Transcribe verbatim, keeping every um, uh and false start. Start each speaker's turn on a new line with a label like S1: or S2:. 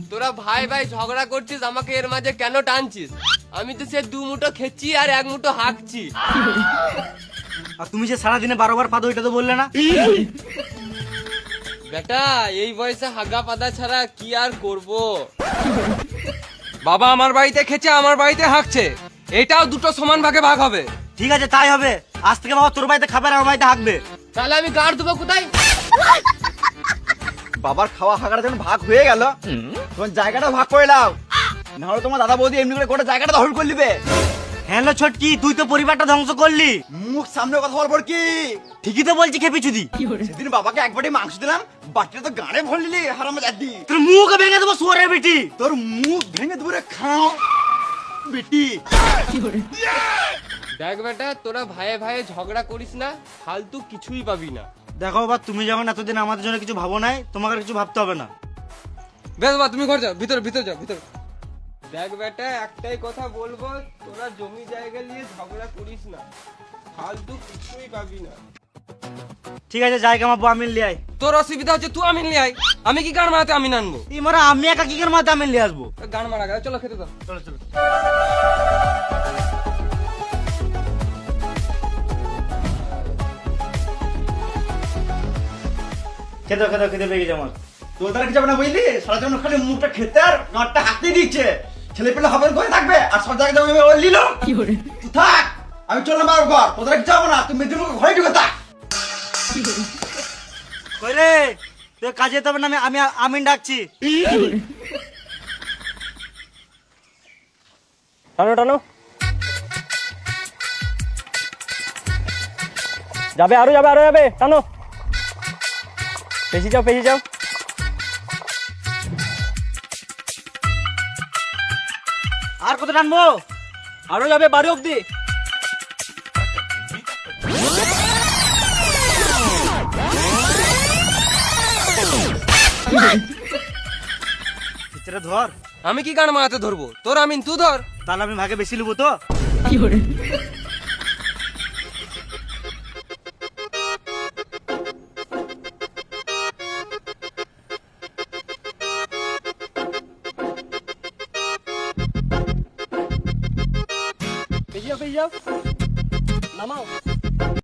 S1: তোরা ভাই ভাই ঝগড়া করছিস, আমাকে এর মাঝে কেন টানছিস? আমি তো সে দু মুঠো খেচ্ছি আর এক মুঠো হাঁকছি।
S2: আর তুমি যে সারাদিনে বারো বার পাদো এটা তো বললে না?
S1: বেটা এই বয়সে হাগা পাদা ছাড়া কি আর করব?
S3: বাবা আমার বাড়িতে খেছে, আমার বাড়িতে হাঁকছে, এটাও দুটো সমান ভাগে ভাগ হবে।
S2: ঠিক আছে তাই হবে, আজ থেকে বাবা তোর বাড়িতে খাবে আর আমার বাড়িতে হাঁকবে।
S1: তাহলে আমি গাড় দেবো কোথায়?
S4: বাবার খাওয়া হাগাটা যখন ভাগ হয়ে গেল, তোমার জায়গাটা ভাগ করে নাও, নাহলে তোমার দাদা বৌদি এমনি করে গোটা জায়গাটা দখল করে নিবে।
S2: হ্যাঁ লো ছোটকি, তুই তো পরিবারটা ধ্বংস করলি।
S4: মুখ সামনে কথা বলবো কি?
S2: ঠিকই তো বলছি খেপি চুদি।
S4: সেদিন বাবাকে এক বাটি মাংস দিলাম, বাটিটা তো গাড়ে ভরে নিলি হারামে দাদি।
S2: তোর মুখ ভেঙে দেবো শুয়োরের বেটি।
S4: তোর মুখ ভেঙে দূরে খাও বেটি।
S1: দেখ বেটা, তোরা ভাইয়ে ভাইয়ে ঝগড়া করিস না, ফালতু কিছুই পাবি না।
S2: দেখো বাবা, তুমি যখন এতদিন আমাদের জন্য কিছু ভাবো নাই, তোমাকে আর কিছু ভাবতে হবে না।
S3: বেশ বাবা তুমি ঘর যাও, ভিতরে ভিতরে যাও ভিতরে।
S1: দেখ বেটা, একটাই কথা বলবো, তোরা জমি জায়গা নিয়ে ঝগড়া করিস না, ফালতু কিছুই পাবি না।
S2: ঠিক আছে যাই কামাবো, আমি লিয়ে আই।
S3: তোর অসুবিধা হচ্ছে তুই আমিন নিয়ে আয়, আমি কি গান মারাতে আমিন আনবো?
S2: এই মারা আমি একা কি করে মাথা আমি লিয়ে আসবো?
S3: গান মারা গেল, চলো খেতে দাও।
S2: চলো চলো। খেতে খেতে খেতে পেয়ে গেছে আমার।
S4: তোর দ্বারা কি যাবে না বুঝলি? সারা জীবন খালি মুখটা খেতে আর নাটটা হাতে দিচ্ছে। ছেলে পেলে হবে করে থাকবে আর সব জায়গায় যাবে ওই লিলো। তুই থাক, আমি চললাম বাবার ঘর। তোর দ্বারা কি যাবো না, তুই মেয়েদের ঘরে ঢুকে থাক।
S2: কই রে, তুই কাজে যেতে হবে না, আমি আমি আমিন ডাকছি।
S5: টানো টানো, যাবে আরো যাবে আরো যাবে, টানো, পেছি যাও পেছি যাও।
S2: আর কত টানবো?
S5: আরো যাবে বাড়ি অব্দি।
S2: ভিতরে ধর।
S3: আমি কি গান মারাতে ধরবো? তোর আমিন তুই ধর।
S2: তাহলে আমি ভাগে বেশি নেবো তো?
S5: পেছি যাও পেছি যাও, নামাও।